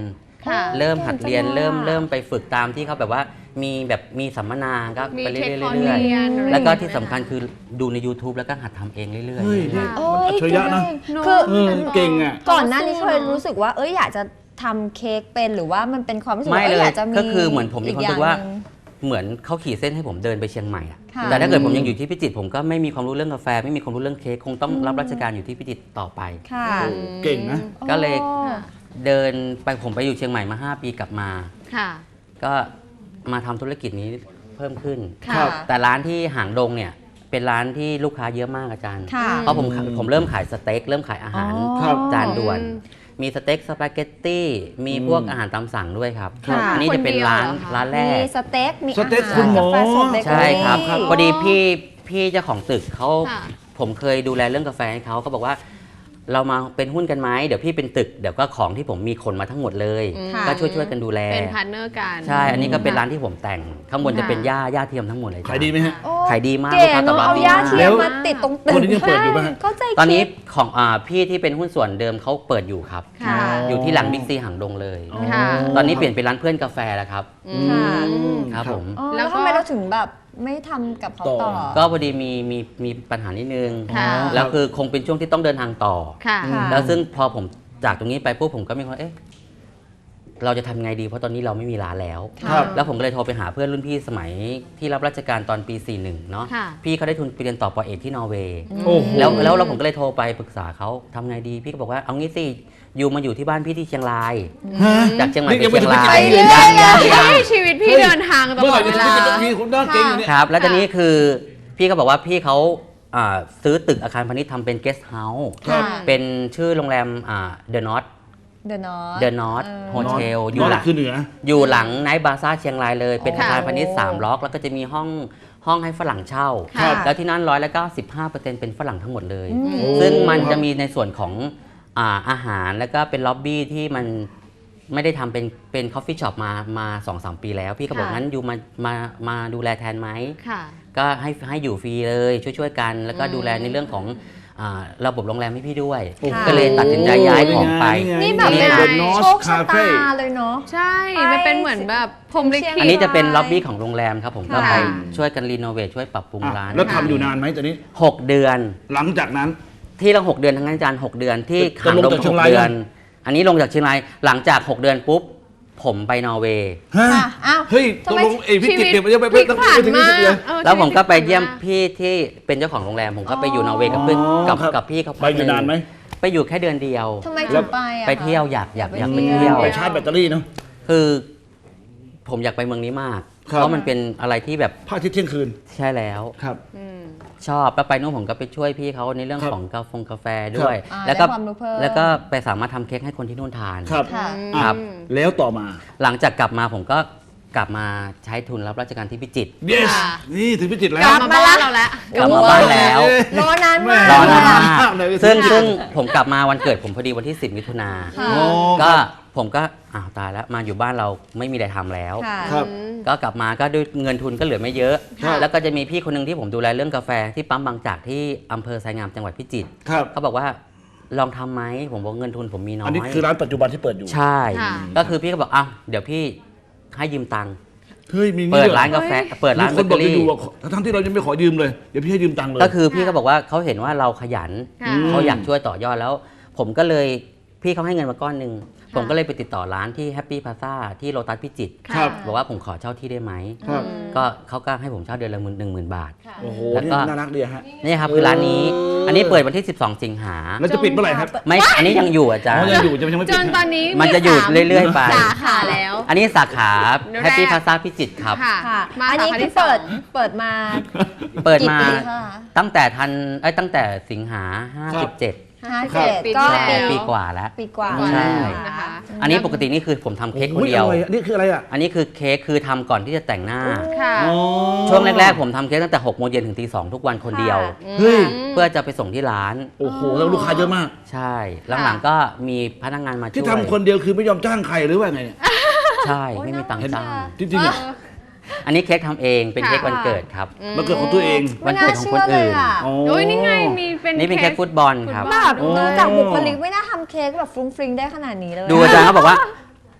Speaker 2: ค่ะ
Speaker 4: เริ่มหัดเรียน
Speaker 3: เก่งจังอะ
Speaker 4: เริ่มไปฝึกตามที่เขาแบบว่ามีสัมมนาก็
Speaker 2: มี
Speaker 4: ไปเรื่
Speaker 2: เทค
Speaker 4: อย
Speaker 2: คอร์ส
Speaker 4: ๆเรื่อย
Speaker 2: เรียนอะไร
Speaker 4: ๆแล้วก็
Speaker 2: อย่างเงี้ย
Speaker 4: ที่สำคัญคือดูใน YouTube แล้วก็หัดทำเองเรื่อย
Speaker 5: เฮ้ย
Speaker 4: ๆ
Speaker 5: นี่
Speaker 3: โอ้
Speaker 5: มันอัจฉริยะนะ
Speaker 3: คือ
Speaker 5: เก่งอ่ะ
Speaker 3: ก่อนหน้านี้เคยรู้สึกว่าอยากจะทำเค้กเป็นหรือว่ามันเป็นความรู้สึก
Speaker 4: ไม่
Speaker 3: ว่า
Speaker 4: เลย
Speaker 3: อยากจะมี
Speaker 4: ก็คือเหมือนผมมีความรู้สึกว่า
Speaker 3: อีอย่งหนึ่ง
Speaker 4: เหมือนเขาขีดเส้นให้ผมเดินไปเชียงใหม่อะ
Speaker 3: ค่ะ
Speaker 4: แต่ถ้าเกิดผมยังอยู่ที่พิจิตรผมก็ไม่มีความรู้เรื่องกาแฟ ไม่มีความรู้เรื่องเค้กคงต้องรับราชการอยู่ที่พิจิตรต่อไป
Speaker 3: ค่ะ
Speaker 5: เก่งนะ
Speaker 4: ก็เลย
Speaker 3: อ๋อ
Speaker 4: เดินไปผมไปอยู่เชียงใหม่มา 5 ปีกลับมา
Speaker 2: ค่ะ
Speaker 4: ก็มาทำธุรกิจนี้เพิ่มขึ้น
Speaker 3: ค่ะ
Speaker 5: ครับ
Speaker 4: แต่ร้านที่หางดงเนี่ยเป็นร้านที่ลูกค้าเยอะมากอาจารย์
Speaker 3: ค่ะ
Speaker 4: เพราะผมเริ่มขายสเต็กเริ่มขายอาหาร
Speaker 5: ครับ
Speaker 4: จานด่วน มีสเต็กสปาเกตตี้มีพวกอาหารตามสั่งด้วยครับ
Speaker 3: ค่ะ
Speaker 4: อันนี้จะเป็นร้าน
Speaker 2: คนเดียวเหรอคะ
Speaker 4: ร้านแร
Speaker 3: มี
Speaker 4: ก
Speaker 3: สเต็กมี
Speaker 5: สเต็ก
Speaker 3: อาหาร
Speaker 5: คุณหมอ
Speaker 3: กาแฟสดเบเกอรี่
Speaker 4: ใช่ครับพอดีพี่เจ้าของตึกเขา
Speaker 2: ค่ะ
Speaker 4: ผมเคยดูแลเรื่องกาแฟให้เขาบอกว่าเรามาเป็นหุ้นกันไหมเดี๋ยวพี่เป็นตึกเดี๋ยวก็ของที่ผมมีขนมาทั้งหมดเลย
Speaker 3: ค่ะ
Speaker 4: ก็ช่วยกันดูแล
Speaker 2: เป็นพาร์ทเนอร์กัน
Speaker 4: ใช่อันนี้ก็เป็นร้านที่ผมแต่งข้างบนจะเป็นหญ้าเทียมทั้งหมดเลยจ้ะ
Speaker 5: ขายดีไหมฮะ
Speaker 3: โอ้
Speaker 4: ขายดีมาก
Speaker 3: เก๋
Speaker 4: ลูกค้าตอบ
Speaker 3: เนาะ
Speaker 4: รับ
Speaker 3: เอา
Speaker 4: ดี
Speaker 3: ย่าม
Speaker 4: าก
Speaker 3: เทียมมาติดตรงตึก
Speaker 5: คนนี้ยังเปิดอยู่ปะฮะ
Speaker 3: เข้าใจ
Speaker 4: ตอนนี้
Speaker 3: คิด
Speaker 4: ของพี่ที่เป็นหุ้นส่วนเดิมเขาเปิดอยู่ครับ
Speaker 3: ค่ะ
Speaker 4: อยู่ที่หลังบิ๊กซีหางดงเลย
Speaker 2: ค่ะ
Speaker 4: ตอนนี้เปลี่ยนเป็นร้านเพื่อนกาแฟแล้วครับ
Speaker 3: ค่ะ
Speaker 4: ครับผม
Speaker 3: อ๋อ
Speaker 2: แล้
Speaker 3: แล้ว ว
Speaker 2: ก็
Speaker 3: ทำไมเราถึงแบบไม่ทำกับเขาต่อ
Speaker 4: ก็พอดีมีปัญหานิดนึง
Speaker 2: ค่ะ
Speaker 4: แล้วคือคงเป็นช่วงที่ต้องเดินทางต่อ
Speaker 2: ค่ะ
Speaker 3: ค่ะ
Speaker 4: แล้วซึ่งพอผมจากตรงนี้ไปปุ๊บผมก็มีความเราจะทำไงดีเพราะตอนนี้เราไม่มีร้านแล้ว
Speaker 5: ครับ
Speaker 4: แล้วผมก็เลยโทรไปหาเพื่อนรุ่นพี่สมัยที่รับราชการตอนปี 41 เนาะ
Speaker 2: ค่ะ
Speaker 4: พี่เขาได้ทุนไปเรียนต่อปอเอกที่นอร์เวย์
Speaker 5: โอ้โห
Speaker 4: แล้วผมก็เลยโทรไปปรึกษาเขาทำไงดี พี่ก็บอกว่าเอางี้สิอยู่มาอยู่ที่บ้านพี่ที่เชียงราย
Speaker 5: ฮะ
Speaker 4: จากเชียงใหม่
Speaker 5: นี่
Speaker 4: ไป
Speaker 5: ยัง
Speaker 4: เชียงราย
Speaker 5: ไม่ถึงไปเรื่อย
Speaker 4: ยัง
Speaker 2: ชีวิตพี่เดินทางต
Speaker 5: เมื่อ
Speaker 2: ล
Speaker 5: ไห
Speaker 2: อ
Speaker 5: ร่
Speaker 2: ดเว
Speaker 5: จะ
Speaker 2: ลา
Speaker 5: มีคนหน้าเก่งอยู่เนี่ย
Speaker 4: ครับ แล้วตอนนี้คือพี่ก็บอกว่าพี่เขาซื้อตึกอาคารพาณิชย์ทำเป็นเกสต์เฮาส์
Speaker 5: ครับ
Speaker 4: เป็นชื่อโรงแรมเดอะน็อต
Speaker 3: เดอะนอต
Speaker 4: เดอะน็อตโฮเทลอ
Speaker 5: อยู่
Speaker 4: ยู่หลัง
Speaker 5: คือเหนือ
Speaker 4: อยู่หลังไนท์บาซ่าเชียงรายเลย เป็น
Speaker 3: โอ้
Speaker 4: อาคารพาณิชย์3ล็อก แล้วก็จะมีห้องให้ฝรั่งเช่า
Speaker 3: ครับ
Speaker 4: แล้วที่นั่น195%เป็นฝรั่งทั้งหมดเลย
Speaker 3: อืม
Speaker 5: โอ้
Speaker 4: ซึ่งมันจะมีในส่วนของอาหารแล้วก็เป็นล็อบบี้ที่มันไม่ได้ทำเป็นคอฟฟี่ช็อปมา 2-3 ปีแล้ว พี่ก็บอก
Speaker 3: ค่ะ
Speaker 4: งั้นอยู่มาดูแลแทนไหม
Speaker 2: ค่ะ
Speaker 4: ก็ให้อยู่ฟรีเลยช่วยกัน แล้วก็ดูแลในเรื่องของระบบโรงแรมให้พี่ด้วย
Speaker 5: โอ้โห
Speaker 4: ก็เลยตัดสินใจย้ายของไป
Speaker 3: นี่แบบ
Speaker 4: นี่
Speaker 3: เป็น
Speaker 4: ไง
Speaker 5: เดอะนอ
Speaker 3: โช
Speaker 5: ส
Speaker 3: คชะ
Speaker 5: คาเฟ่
Speaker 3: ตาเลยเนาะ
Speaker 2: ใช่ มันเป็นเหมือนแบบพรหมลิขิ
Speaker 4: อั
Speaker 2: ต
Speaker 4: นนี้จะเป็นล็อบบี้ของโรงแรมครับผมก็
Speaker 2: ค่ะ
Speaker 4: ไปช่วยกันรีโนเวทช่วยปรับปรุงร้าน
Speaker 5: แล้วทำอยู่นานไหมตอนนี้
Speaker 4: 6 เดือน
Speaker 5: หลังจากนั้น
Speaker 4: ที่เรา6 เดือนทั้งนั้นอาจารย์6 เดือนที่
Speaker 5: จะ
Speaker 4: หาง
Speaker 5: ลง
Speaker 4: ดง
Speaker 5: จากเชียง
Speaker 4: 6
Speaker 5: ราย
Speaker 4: เดือน
Speaker 5: ยัง
Speaker 4: อันนี้ลงจากเชียงรายหลังจาก 6 เดือนปุ๊บ ผมไปนอร์เวย์
Speaker 5: ฮะ
Speaker 3: ค่ะอ้าว
Speaker 5: เฮ้ยต
Speaker 3: ทำ
Speaker 5: ก
Speaker 3: ไม
Speaker 5: ลงไอ้พิจิตรเนี่ยมันจะไป
Speaker 2: พลิก
Speaker 5: ต้อง
Speaker 2: ผัน
Speaker 5: ไปถึง
Speaker 2: มา
Speaker 5: พิจิตรเลย
Speaker 2: เออ
Speaker 4: แล้วผมก็ไป
Speaker 2: ชีวิตพลิ
Speaker 4: เยี่ยม
Speaker 2: ผัน
Speaker 4: พี่ที่เป็นเจ้าของโรงแรม ผมก็ไปอยู่นอร์เวย์กับเพื่อน
Speaker 5: อ๋อครับ
Speaker 4: กับพี่เขา
Speaker 5: ไปอยู่นานไหม
Speaker 4: ไปอยู่แค่เดือนเดียว
Speaker 3: ทำไมถึงไปอ่ะ
Speaker 4: ไปเที่ยว
Speaker 3: คะ
Speaker 4: อยากไป
Speaker 3: ไปเที่
Speaker 4: เที่
Speaker 3: ย
Speaker 4: ยว ว
Speaker 5: ไปชาร์จแบตเตอรี่เนาะ
Speaker 4: คือผมอยากไปเมืองนี้มาก
Speaker 5: ครับ
Speaker 4: เพราะมันเป็นอะไรที่แบบ
Speaker 5: พระอาทิตย์เที่ยงคืน
Speaker 4: ใช่แล้ว
Speaker 5: ครับ
Speaker 2: อืม
Speaker 4: ชอบแล้วไปนู่นผมก็ไปช่วยพี่เขาในเรื่อง
Speaker 5: ครับ
Speaker 4: ของกาแฟด้วย
Speaker 3: อ่า
Speaker 4: แล้วก็
Speaker 3: ได้ความรู้เพิ่ม
Speaker 4: แล้วก็ไปสามารถทำเค้กให้คนที่นู่นทาน
Speaker 5: ครับ
Speaker 3: ค่ะ
Speaker 4: ครับ
Speaker 5: แล้วต่อมา
Speaker 4: หลังจากกลับมาผมก็กลับมาใช้ทุนรับราชการที่พิจิตร
Speaker 5: yes
Speaker 2: ค่ะ
Speaker 5: นี่ถึงพิจิตรแล้
Speaker 2: ก
Speaker 5: ว
Speaker 2: ลับมาบ้านเราแล้ว
Speaker 4: กลับมาบ้านแล้ว
Speaker 3: รอนานมาก
Speaker 4: รอนาน
Speaker 3: ค่ะ
Speaker 4: มาก
Speaker 5: เลย
Speaker 4: ซึ่งผมกลับมาวันเกิดผมพอดีวันที่ 10 มิถุนา
Speaker 3: ค่ะ
Speaker 5: อ๋อ
Speaker 4: ก็ผมก็อ้าวตายแล้วมาอยู่บ้านเราไม่มีอะไรทำแล้ว
Speaker 3: ค่ะ
Speaker 5: ครับ
Speaker 4: ก็กลับมาก็ด้วยเงินทุนก็เหลือไม่เยอะ
Speaker 5: ครับ
Speaker 4: แล้วก็จะมีพี่คนหนึงที่ผมดูแลเรื่องกาแฟที่ปั๊มบางจากที่อำเภอไซงามจังหวัดพิจิตร
Speaker 5: ครับ
Speaker 4: เขาบอกว่าลองทำไหมผมบอกเงินทุนผมมีน้อย
Speaker 5: อันนี้คือร้านปัจจุบันที่เปิดอยู่
Speaker 4: ใช่
Speaker 2: ค่ะ
Speaker 4: ก็คือพี่ก็บอกอ้าวเดี๋ยวพี่ให้ยืมตังค์
Speaker 5: เฮ้ย มี
Speaker 4: เปิด
Speaker 5: หอ
Speaker 4: ร้านกาแฟเปิดร้าน
Speaker 5: มี
Speaker 4: เบ
Speaker 5: คน
Speaker 4: เก
Speaker 5: บอ
Speaker 4: อก รี่
Speaker 5: อยู่ว่าทั้งที่เรายังไม่ขอยืมเลย เดี๋ยวพี่ให้ยืมตังค์เลย
Speaker 4: ก็คือพี่ก็บอกว่าเขาเห็นว่าเราขยัน
Speaker 2: ค่ะ
Speaker 4: เขาอยากช่วยต่อยอดแล้ว ผมก็เลยพี่เขาให้เงินมาก้อนหนึ่งผมก็เลยไปติดต่อร้านที่แฮปปี้พาซ่าที่โลตัสพิจิตร
Speaker 5: ครับ
Speaker 4: บอกว่าผมขอเช่าที่ได้ไหม
Speaker 5: ครับ
Speaker 4: ก็เขาก็ให้ผมเช่าเดือนละ10,000 บาท
Speaker 5: โอ้โห
Speaker 4: แล้ว
Speaker 5: นี่
Speaker 4: ก็
Speaker 5: น่ารักดีฮะ
Speaker 4: นี่ครับคือร้านนี้ อันนี้เปิดวันที่ 12 สิงหา
Speaker 5: แล้วจะปิดเมื่อไหร่ครับ
Speaker 4: ไม่อันนี้ยังอยู่อาจาร
Speaker 5: อ๋อ
Speaker 4: ย์
Speaker 5: ยังอยู่จะยังไม่
Speaker 2: จ
Speaker 5: ปิด
Speaker 2: นตอนนี้
Speaker 4: มันจะหยุดเรื่อยๆไป
Speaker 2: สาขาแล้ว
Speaker 4: อันนี้สาขา
Speaker 2: แรก
Speaker 4: แฮปปี้พาซ่าพิจิตรครับ
Speaker 2: ค่ะ
Speaker 3: ค่ะ
Speaker 2: มา
Speaker 3: อันนี้
Speaker 2: สาขา
Speaker 3: คือ
Speaker 2: ที่สอง
Speaker 3: เปิดมา
Speaker 4: เปิดมา
Speaker 3: กี่ปีคะ
Speaker 4: ตั้งแต่สิงหา 57
Speaker 3: 57
Speaker 2: ปี
Speaker 3: ก็
Speaker 2: ที่แล้ว
Speaker 4: ปีกว่าแล้ว
Speaker 3: ปีกว่า
Speaker 4: ใช่
Speaker 2: นะคะ
Speaker 4: อันนี้ปกตินี่คือผมทำเค้กคนเดียว
Speaker 5: โอ้อร่อนี่คืออะไรอ่ะ
Speaker 4: อันนี้คือเค้กคือทำก่อนที่จะแต่งหน้า
Speaker 2: ค่ะ
Speaker 5: อ๋อ
Speaker 4: ช่วงแรกๆผมทำเค้กตั้งแต่6 โมงเย็นถึงตี 2 ทุกวันคนเดียว
Speaker 5: เฮ้ย
Speaker 4: เพื่อจะไปส่งที่ร้าน
Speaker 5: โอ้โห แล้วลูกค้าเยอะมาก
Speaker 4: ใช่ หลังๆก็มีพนักงานมาช่วย
Speaker 5: ที่ทำคนเดียวคือไม่ยอมจ้างใครหรือว่าไงเนี่ย
Speaker 4: ใช่ไม่มีตังค์จ้าง
Speaker 5: จริงๆอ่ะ
Speaker 4: อันนี้เค้กทำเองเป็นเค้กวันเกิดครับ
Speaker 5: มันเกิดของตัวเอง
Speaker 4: วั
Speaker 3: ไม่
Speaker 4: น
Speaker 3: น่า
Speaker 4: เกิดของ
Speaker 3: เชื่
Speaker 4: คน
Speaker 3: อเลย
Speaker 4: อื่น
Speaker 3: อ่ะ
Speaker 5: อ๋อ
Speaker 2: โอ้ยนี่ไงมีเป็น
Speaker 4: นี่เป็นเค้กฟุตบอลครับ
Speaker 3: แบบ
Speaker 5: โอ้
Speaker 3: ดูจากบุคลิกไม่น่าทำเค้กแบบฟรุ้งฟริ้งได้ขนาดนี้เลย
Speaker 4: ดูอาจารย์เขาบอกว่าท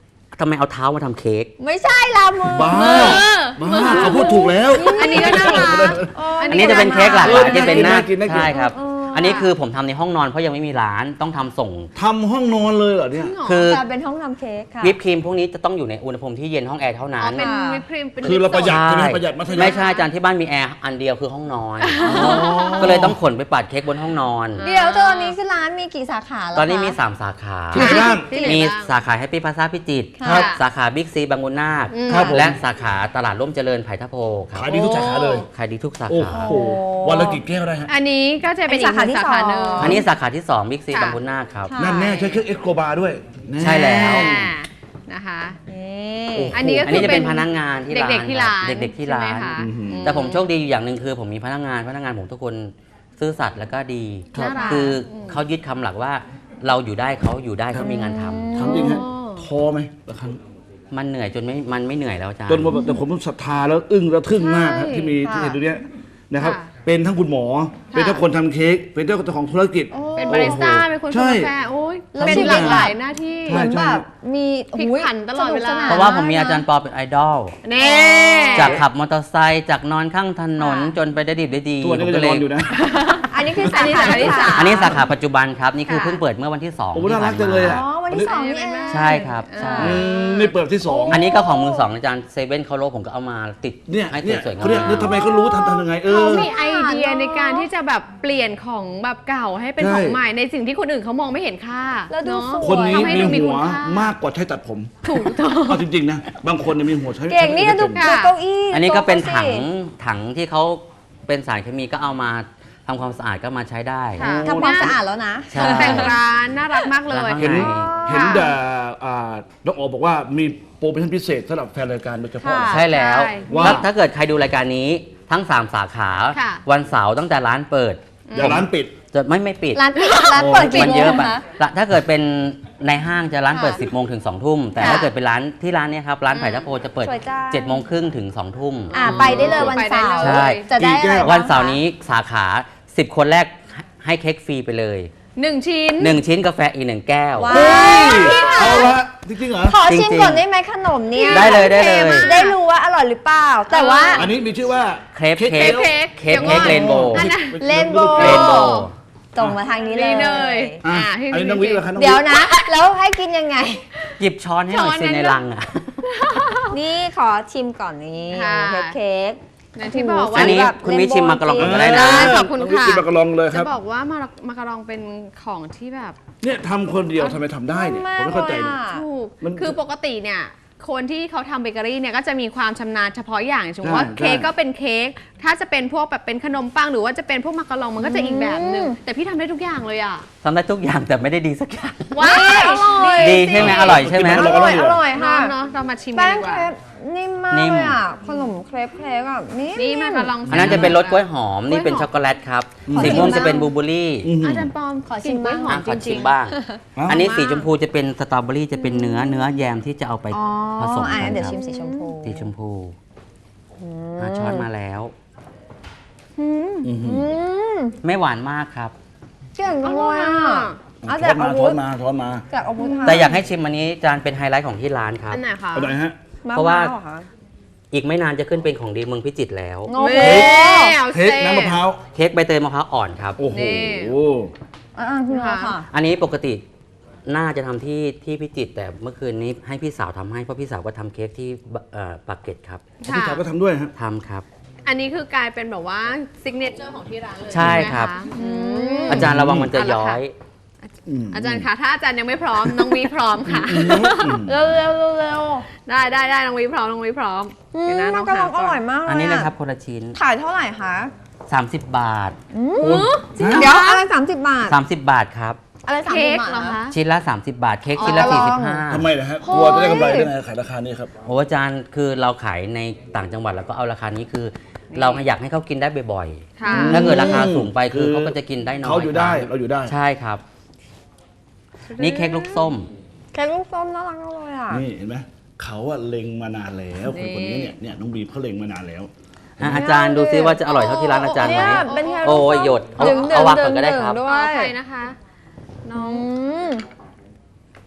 Speaker 4: ทำไมเอาเท้ามาทำเค้ก
Speaker 3: ไม่ใช่ลามือ
Speaker 5: บ้าบ้าเขาพูดถูกแล้ว
Speaker 2: อันนี้ก็น่ารัก
Speaker 4: อันนี้จะเป็นเค้กหลากหลายจะเป็นหน้า
Speaker 5: น่ากินน่ากิน
Speaker 4: ใช่ครับ อันนี้คือผมทำในห้องนอนเพราะยังไม่มีร้านต้องทำส่ง
Speaker 5: ทำห้องนอนเลยเหรอเนี่ย
Speaker 4: คือ
Speaker 3: จะเป็นห้องทำเค้กค่ะ
Speaker 4: วิปครีมพวกนี้จะต้องอยู่ในอุณหภูมิที่เย็นห้องแอร์เท่า
Speaker 2: อ๋
Speaker 4: นั้
Speaker 2: อน เป็นวิปครีมเป็น
Speaker 5: คือเราประหยัด
Speaker 4: ใช่
Speaker 5: ใช่ไหมประหยัดมัธยัสถ์
Speaker 4: ไม่ใช่อาจารย์ที่บ้านมีแอร์อันเดียวคือห้องนอน ก็เลยต้องขนไปปัดเค้กบนห้องนอน
Speaker 3: เดี๋ยวตอนนี้คือร้านมีกี่สาขาแล้ว
Speaker 4: ตอนนี้มี
Speaker 3: คะ
Speaker 4: 3 สาขา
Speaker 5: ที่ไหนบ้าง
Speaker 2: ที่ไหน
Speaker 4: มี
Speaker 2: บ้าง
Speaker 4: สาขาแฮปปี้พาซาพิจิตร
Speaker 3: ครับ
Speaker 4: สาขาบิ๊กซีบางมุนนาค
Speaker 5: ครับผม
Speaker 4: และสาขาตลาดร่มเจริญไผ่ทะโพครับ
Speaker 5: ขายดีทุกสาขาเลย
Speaker 4: ขายดีทุกสา
Speaker 5: โอ้
Speaker 4: ขา
Speaker 5: โหวันละกี่แก้วได้ฮะ
Speaker 2: อันนี้ก็จะเป็นอีกหนึ่งสาขาหนึ่ง
Speaker 4: อันนี้สาขาที่2บิ๊กซี
Speaker 2: ค่ะ
Speaker 4: บางมุนนาคครับ
Speaker 3: ค่ะ
Speaker 5: นั่นแน่ใช้เครื่องเอ็กโกบาด้วยน่
Speaker 4: ใช่แล้ว
Speaker 2: นะคะ
Speaker 3: นี่
Speaker 5: โอ้โห
Speaker 2: อันนี้ก็
Speaker 4: อัน
Speaker 2: คื
Speaker 4: นี้
Speaker 2: อ
Speaker 4: จะ
Speaker 2: เป็
Speaker 4: เป็น นพนักงานที่ร้าน
Speaker 2: เด็กๆที่ร้าน
Speaker 4: ครับเด็กๆที่ร้าน
Speaker 2: ใช่ไหมคะ
Speaker 5: อือหือ
Speaker 4: แต่ผมโชคดีอยู่อย่างหนึ่งคือผมมีพนักงานผมทุกคนซื่อสัตย์แล้วก็ดี
Speaker 2: น่ารัก
Speaker 4: คือเขายึดคำหลักว่าเราอยู่ได้เขาอยู่ได้เขามีงานทำ
Speaker 5: ถามจริงฮะท้อไหมบางครั้ง
Speaker 4: มันเหนื่อยจนมันไม่เหนื่อยแล้วอาจารย์
Speaker 5: จนว่าแบบแต่ผมศรัทธาแล้วอึ้งแล้วทึ่งมากฮะ
Speaker 2: ใช่
Speaker 5: ที่มีที่เห็นตรงเนี้ยนะครับ
Speaker 2: ค่ะ
Speaker 5: เป็นทั้งคุณหมอ เป็นทั้งคนทำเค้กเป็นเจ้าของธุรกิจ
Speaker 2: เป็นบาริสต้าเป็นคน
Speaker 5: ใช่
Speaker 2: ชงกาแฟโอ้ย
Speaker 3: แล้ว
Speaker 2: เป็น
Speaker 3: ชีวิต
Speaker 2: หลากหลายหน้าที่
Speaker 5: ใช่
Speaker 3: เหมือนแบบมี
Speaker 2: พลิกผันตลอดเวลา
Speaker 3: สนุกสนน
Speaker 4: เพราะว่าผมมีอาจารย์ปอเป็นไอดอล
Speaker 2: นี่
Speaker 4: จากขับมอเตอร์ไซค์จากนอนข้างถนน
Speaker 3: ค่ะ
Speaker 4: จนไปได้ดิบได้ดี
Speaker 5: ตัวนี้
Speaker 4: ผม
Speaker 5: ก็
Speaker 4: ก็
Speaker 5: จะ
Speaker 4: เล
Speaker 5: นอย นอยู่นะ
Speaker 3: อันนี้คือ
Speaker 2: อั
Speaker 3: สาน
Speaker 2: นี้
Speaker 3: ขา
Speaker 2: สาขาที่
Speaker 3: ที่
Speaker 2: สาม
Speaker 3: 3
Speaker 4: อันนี้สาขาปัจจุบันครับ นี่คือ
Speaker 2: ค่ะ
Speaker 4: เพิ่งเปิดเมื่อวันที่2
Speaker 5: โอ้โหน่ารักจังเลยอะ
Speaker 3: อ๋อวันที่ 2 นี่เอง
Speaker 4: ใช่ครับใช่
Speaker 5: นี่เปิดที่สอง
Speaker 4: อันนี้ก็ของมือสองอาจารย์เซเว่นเขาโลผมก็เอามาติด
Speaker 5: เนี่ย
Speaker 4: ให้
Speaker 5: เนี่ย
Speaker 4: สวยๆงา
Speaker 5: เขาเนี่ย
Speaker 4: ม
Speaker 5: ทำไมเขารู้ทำยังไง
Speaker 2: เขา
Speaker 5: เออ
Speaker 2: มีไอเดียในการที่จะแบบเปลี่ยนของแบบเก่าให้เป็น
Speaker 5: ใช่
Speaker 2: ของใหม่ในสิ่งที่คนอื่นเขามองไม่เห็นค่า
Speaker 3: แล้วดู
Speaker 2: เนาะ
Speaker 3: สวย
Speaker 5: คนนี้
Speaker 2: ทำให้
Speaker 5: มี
Speaker 2: ดูมี
Speaker 5: หัว
Speaker 2: คุณค่าม
Speaker 5: ากกว่าใช้ตัดผม
Speaker 2: ถูกต้อง
Speaker 5: เอาจริงๆนะ บางคนเนี่ยมีหัวใช้
Speaker 3: เก่งนี่ดู
Speaker 5: ใช้
Speaker 3: ดู
Speaker 5: ไม่
Speaker 3: เก้าอี้
Speaker 4: อันนี้ก็เป็น
Speaker 3: โต๊ะ
Speaker 4: ถังที่เขาเป็นสารเคมีก็เอามาทำความสะอาดก็มาใช้ได้
Speaker 2: ค่ะ
Speaker 3: ทำความสะอาดแล้วนะ
Speaker 4: ใช่
Speaker 2: ตกแต่งร้านน่ารักมากเลย
Speaker 5: เห็น
Speaker 4: ใช่
Speaker 5: เห็นแต่น้องอ๋อบอกว่ามีโปรโมชั่นพิเศษสำหรับแฟนรายการโดยเฉพาะ
Speaker 3: ค่ะ
Speaker 4: ใช่แล้ว
Speaker 2: ใช่
Speaker 5: ว่า
Speaker 4: ถ้าเกิดใครดูรายการนี้ทั้ง 3 สาขา
Speaker 2: ค่ะ
Speaker 4: วันเสาร์ตั้งแต่ร้านเปิด
Speaker 5: อย่าร้านปิด
Speaker 4: จะไม่ปิด
Speaker 3: ร้านปิดร้านเปิดกี่
Speaker 4: มัน
Speaker 3: โม
Speaker 4: เย
Speaker 3: ง
Speaker 4: อะไป
Speaker 3: คะ
Speaker 4: ถ้าเกิดเป็นในห้างจะร้านเปิด
Speaker 3: ค่ะ
Speaker 4: 10 โมงถึง 2 ทุ่ม แต่
Speaker 3: ค่ะ
Speaker 4: ถ้าเกิดเป็นร้านที่ร้านเนี้ยครับ ร้านไผ่ทะโพจะเปิด
Speaker 3: สวยจัง
Speaker 4: 7 โมงครึ่งถึง 2 ทุ่ม
Speaker 3: ไปได้เลยวันเสาร์
Speaker 4: ใช่
Speaker 3: จะได้อะไรบ้ง
Speaker 4: วันเสาร์นี้สาขา 10 คนแรกให้เค้กฟรีไปเลย
Speaker 2: 1 ชิ้น
Speaker 4: 1 ชิ้นกาแฟอีก 1 แก้ว
Speaker 3: ว้า
Speaker 5: เฮ้
Speaker 3: วย
Speaker 5: เอาละจริงๆเหรอ
Speaker 3: ขอชิม
Speaker 4: จริงๆ
Speaker 3: ก่อนได้ไหมขนมเนี่ย
Speaker 4: ได้เลยได้เลย
Speaker 3: ได้รู้ว่าอร่อยหรือเปล่า แต่ว่า
Speaker 5: อันนี้มีชื่อว่า
Speaker 4: เครป
Speaker 5: เค้ก
Speaker 4: เค้ก
Speaker 2: เค้ก
Speaker 4: เค้กเรนโบว์
Speaker 2: อันนั้น
Speaker 3: เรนโบว์
Speaker 4: เรนโบว์
Speaker 3: ส่งมาทางนี้เล
Speaker 2: นี่เลย
Speaker 3: ย
Speaker 5: อ่ะ
Speaker 2: พี่
Speaker 5: อันนี้น้องวิทย์เหรอคะน้องวิ
Speaker 3: เดี๋ยว
Speaker 5: ทย์
Speaker 3: นะ แล้วให้กินยังไง
Speaker 4: หยิบช้อนให้หน่อยสิในลังอ่ะ
Speaker 3: นี่ขอชิมก่อนนี้
Speaker 2: ค่ะ
Speaker 3: เค้ก
Speaker 2: อย่างที่บอกว่า
Speaker 4: อันนี้
Speaker 3: แบบ
Speaker 4: คุณวิชิมมากระลองก่อนก็ได้นะ
Speaker 2: ได้ขอบคุณ
Speaker 5: น้องวิทย์
Speaker 2: ค่ะ
Speaker 5: กินมากระลองเลยค
Speaker 2: จะ
Speaker 5: รับ
Speaker 2: บอกว่ามากระรองเป็นของที่แบบ
Speaker 5: เนี่ยทำคนเดียวทำไมทำได้เนี่ยผมไม่เข้าใจเนี่ย
Speaker 2: ถูก
Speaker 5: มัน
Speaker 2: คือปกติเนี่ยคนที่เขาทำเบเกอรี่เนี่ยก็จะมีความชำนาญเฉพาะอย่างสมมติว่า
Speaker 5: ใช่
Speaker 2: เค้กก็เป็นเค้กถ้าจะเป็นพวกแบบเป็นขนมปังหรือว่าจะเป็นพวกมักกะลองมันก็จะอีกแบบหนึ่งแต่พี่ทำได้ทุกอย่างเลยอ่ะ
Speaker 4: ทำได้ทุกอย่างแต่ไม่ได้ดีสักอย่าง
Speaker 2: ว้าย
Speaker 3: อร่อย
Speaker 4: ดีใช่ไหมอร่อยใช่ไหม
Speaker 5: กิน
Speaker 3: อ
Speaker 5: มา
Speaker 3: ร่อยอร่อยค่ะ
Speaker 2: เนาะเรามาชิมกั
Speaker 3: แป้
Speaker 2: น
Speaker 3: ง
Speaker 2: ดีก
Speaker 3: เค
Speaker 2: ว่า
Speaker 3: รปนิ่มมาก
Speaker 4: นิ่ม
Speaker 3: เลยอ่ะขนมเครปอ่ะนิ่ม
Speaker 2: นี่มากระลอง
Speaker 4: อันนั้นจะเป็นรสกล้วยหอม นี่เป็นช็อกโกแลตครับ
Speaker 3: ขอ
Speaker 4: สี
Speaker 3: ชิม
Speaker 4: ม่วง
Speaker 3: บ้าง
Speaker 4: จะเป็นบลูเบอร์รี่
Speaker 5: อื้อหือ
Speaker 2: อาจารย์ปอม
Speaker 3: ขอชิมบ้าง
Speaker 2: กลิ่นกล้วยหอม
Speaker 4: ขอ
Speaker 2: จ
Speaker 4: ชิ
Speaker 2: ริ
Speaker 4: ม
Speaker 2: งๆ
Speaker 4: บ้าง
Speaker 5: อ้าว
Speaker 4: อันนี้สีชมพูจะเป็นสตรอเบอรี่จะเป็นเนื้อแยมที่จะเอาไป
Speaker 3: อ๋อ
Speaker 4: ผสม
Speaker 3: อ่ะ
Speaker 4: กัน
Speaker 3: เดี๋ยว
Speaker 4: ค
Speaker 3: ชิ
Speaker 4: รับ
Speaker 3: มสีชมพู
Speaker 4: สีชมพูช้อนมาแล้ว
Speaker 5: อื้อหือ
Speaker 3: อืม
Speaker 4: ไม่หวานมากครับ
Speaker 3: เก่งจังเลยอ่ะเอา
Speaker 5: ช้
Speaker 3: แต่
Speaker 5: อนมา
Speaker 3: อา
Speaker 5: ช้
Speaker 3: วุ
Speaker 5: อ
Speaker 3: ธ
Speaker 5: นมาช้อนมา
Speaker 3: จากอาวุธค่ะ
Speaker 4: แต่อยากให้ชิมอันนี้จานเป็นไฮไลท์ของที่ร้านครับ
Speaker 2: อันไหนคะ
Speaker 5: เอาไหนฮะ
Speaker 3: ม
Speaker 4: เพราะว่า
Speaker 3: พหอค
Speaker 4: อีกไม่นานจะขึ้นเป็นของดีเมืองพิจิตรแล้ว
Speaker 3: โอ้โห
Speaker 2: เว้ยเอา
Speaker 5: เค้ก
Speaker 2: เซ่
Speaker 5: น้ำมะพร้าว
Speaker 4: เค้กใบเตยมะพร้าวอ่อนครับ
Speaker 5: โอ้โห
Speaker 2: นี่
Speaker 3: อ่าคุณเอาค่ะ
Speaker 4: อันนี้ปกติน่าจะทำที่พิจิตรแต่เมื่อคืนนี้ให้พี่สาวทำให้เพราะพี่สาวก็ทำเค้กที่ปากเกร็ดครับ
Speaker 5: พี่สาวก็ทำด้วยฮะ
Speaker 4: ทำครับ
Speaker 2: อันนี้คือกลายเป็นแบบว่าซิกเนเจอร์ของที่ร้านเลย
Speaker 4: ใช่ครับ
Speaker 2: ไหมะอืม
Speaker 4: อาจารย์ระวังมันจะย้อย
Speaker 2: อาจารย์คะถ้าอาจารย์ยังไม่พร้อม น้องวีพร้อมค่ะ
Speaker 3: เร็วเร็วเร็วเร็ว
Speaker 2: ได้น้องวีพร้อมน้องวีพร้อมเดี๋ยวนะน้
Speaker 3: มั
Speaker 2: อน ง
Speaker 3: กระล
Speaker 2: หา
Speaker 3: องอ
Speaker 2: ก่อ
Speaker 3: ร่อน ยมากเลย
Speaker 4: อันนี้เลย
Speaker 3: อะ
Speaker 4: ครับคนละชิ้น
Speaker 3: ขายเท่าไหร่คะ
Speaker 4: 30 บาท
Speaker 3: เดี๋ยวอะไร30 บาท
Speaker 4: 30 บาทครับ
Speaker 3: อะไร30
Speaker 2: เค้ก
Speaker 3: บาท
Speaker 2: เหรอคะ
Speaker 4: ชิ้นละ 30 บาท เค้กชิ้นละ
Speaker 3: อ๋อ
Speaker 5: ทำไม
Speaker 4: 45
Speaker 5: นะฮะกลัวจะได้กำไรได้ไงขายราคานี้ครับ
Speaker 4: โอ้อาจารย์คือเราขายในต่างจังหวัดแล้วก็เอาราคานี้คือ เราอยากให้เขากินได้บ่อย
Speaker 2: ค่ะ
Speaker 4: ๆ ถ้าเกิดราคาสูงไปคือ
Speaker 5: คือ
Speaker 4: เขาก็จะกินได้น้อย
Speaker 5: เขาอยู่ได้
Speaker 4: คบ
Speaker 5: เราอยู่ได้
Speaker 4: ใช่ครับ นี่เค้กลูกส้ม
Speaker 3: เค้กลูกส้มน่ารักมากเลยอ่ะ
Speaker 5: นี่เห็นไหมเขาอะเล็งมานานแล้วคนนี้เนี่ยน้องบีมเขาเล็งมานานแล้ว
Speaker 4: อาจารย์ดูซิว่าจะอร่อยเท่าที่ร้านอาจารย์ไหม
Speaker 3: เนี่ยเป็นเค้ก
Speaker 4: โอ้ยหยดเอา
Speaker 3: ดึงๆ
Speaker 4: เอาวางก่อนก็ได้ครับ
Speaker 3: ดึงๆด้
Speaker 2: ข
Speaker 3: ว
Speaker 2: อย อภัยนะคะ น้อง
Speaker 3: อืม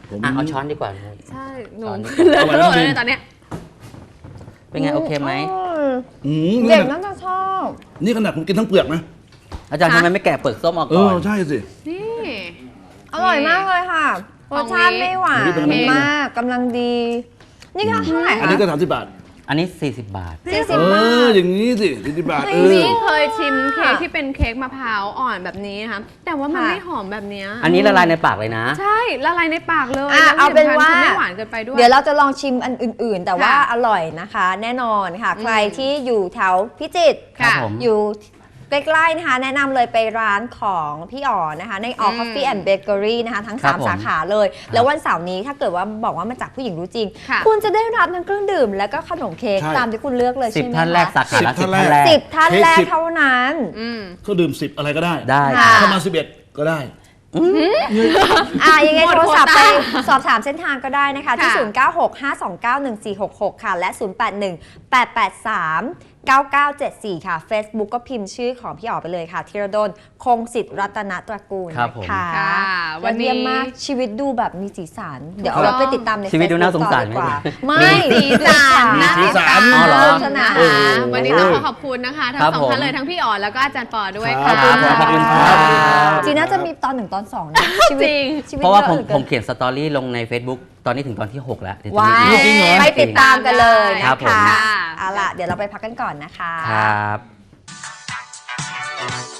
Speaker 5: ผม
Speaker 4: เอาช้อนดีกว่า
Speaker 2: ใช่หนู
Speaker 4: ช้อนดีก
Speaker 2: เล
Speaker 4: ว่า
Speaker 2: อะเทอะเลยตอนเนี้ย
Speaker 4: เป็นไงโอเคไหม
Speaker 3: เด็กน่าจะชอบ
Speaker 5: นี่ขนาดผมกินทั้งเปลือกนะ
Speaker 4: อาจารย์ทำไมไม่แกะเปลือกส้มออก
Speaker 5: เอ
Speaker 4: ก่อ
Speaker 5: อน ใช่สิ
Speaker 2: นี่
Speaker 3: อร่อยมากเลยค่ะรสชาติไม่หวาน
Speaker 5: อันนี้เป็นไง
Speaker 3: มากกำลังดี นี่ค่ะเท่าไหร่
Speaker 5: อัน
Speaker 3: คะ
Speaker 5: นี้ก็30 บาท
Speaker 4: อันนี้ 40 บาท
Speaker 3: 40 บาท
Speaker 5: อย่างนี้สิ40 บาท
Speaker 2: นี่เคยชิมเค้กที่เป็นเค้กมะพร้าวอ่อนแบบนี้นะคะแต่ว่ามัน
Speaker 3: ค่ะ
Speaker 2: ไม่หอมแบบเนี้ย
Speaker 4: อันนี้ละลายในปากเลยนะ
Speaker 2: ใช่ละลายในปากเลย
Speaker 3: อ่ะ
Speaker 2: แล้ว
Speaker 3: เอาเป็นว่า
Speaker 2: ที่สำคัญคือไม่หวานเกินไปด้วย
Speaker 3: เดี๋ยวเราจะลองชิมอันอื่น ๆ แต่ว่า
Speaker 2: ค่ะ
Speaker 3: อร่อยนะคะ แน่นอนค่ะ ใครที่อยู่แถวพิจิตร
Speaker 4: ครับผม
Speaker 3: อยู่ใกล้ๆนะคะ แนะนำเลยไปร้านของพี่อ๋อนะคะ ในอ๋อ Coffee and Bakery นะคะทั้ง
Speaker 4: ครับผม
Speaker 3: 3 สาขาเลย แล้ววันเสาร์นี้ถ้าเกิดว่าบอกว่ามาจากผู้หญิงรู้จริง
Speaker 2: ค่ะ
Speaker 3: คุณจะได้รับทั้งเครื่องดื่ม และก็ขนมเค้ก
Speaker 5: ใช่
Speaker 3: ตามที่คุณเลือกเลย
Speaker 4: 10
Speaker 3: ใช่ไหม
Speaker 4: ท่านแรก
Speaker 3: คะ
Speaker 4: สาขาละ
Speaker 5: 10
Speaker 4: 10 ท่านแรก
Speaker 3: 10 ท่านแรกเท่านั้น
Speaker 2: อืม
Speaker 5: เขาดื่ม10อะไรก็ได้
Speaker 4: ได้
Speaker 3: ค่ะ
Speaker 5: ถ้ามา11ก็ได้
Speaker 3: ยังไง
Speaker 2: หมด
Speaker 3: โทรศัพท์
Speaker 2: โคว
Speaker 3: ไป
Speaker 2: ต้า
Speaker 3: สอบถามเส้นทางก็ได้นะคะ ที่
Speaker 2: ค่ะ
Speaker 3: 0965291466 ค่ะ และ 0818839974 ค่ะ Facebook ก็พิมพ์ชื่อของพี่อ๋อไปเลยค่ะธีรดลคงสิทธิ์รัตนตระกูล
Speaker 4: ครับผม
Speaker 3: นะคะ
Speaker 2: ค่ะวั
Speaker 3: วัน น
Speaker 2: นี้
Speaker 3: นี้มากชีวิตดูแบบมีสีสัน เดี๋ยวเอาไว้ไปติดตามใน
Speaker 4: ชีวิตดูน่า
Speaker 3: Facebook
Speaker 4: สงสาร
Speaker 3: ต่อดีกว่า
Speaker 4: ไหม
Speaker 3: ไม่
Speaker 2: สีสัน
Speaker 5: มีสีสัน
Speaker 4: อ๋อเหรอ
Speaker 3: สนุกสนาน
Speaker 5: โอ้โห
Speaker 2: วันนี้ต้องขอขอบคุณนะคะทั้ง
Speaker 4: ครับ
Speaker 2: สอง
Speaker 4: ผม
Speaker 2: ท่านเลยทั้งพี่อ๋อแล้วก็อาจารย์ปอด้วย
Speaker 5: ครั
Speaker 2: ค่ะ
Speaker 5: บ
Speaker 4: ขอบคุณครับ
Speaker 3: จีน่าจะมีตอน 1 ตอน 2 นะชีวิต
Speaker 2: จริง
Speaker 3: ชีวิต
Speaker 4: เพราะว่า
Speaker 3: เยอ
Speaker 4: ผม
Speaker 3: หลือเกิน
Speaker 4: ผมเขียนสตอรี่ลงใน Facebook ตอนนี้ถึงตอนที่ 6 แล้วเดี๋ยวจะ
Speaker 3: ว้า
Speaker 4: มี
Speaker 3: ย
Speaker 4: อีก
Speaker 5: จริงเหรอ
Speaker 3: ไปติดตามกันเลยนะ
Speaker 4: ครั
Speaker 3: คะ
Speaker 4: บผม
Speaker 3: เอาล่ะ เดี๋ยวเราไปพักกันก่อนนะคะ
Speaker 4: ครับ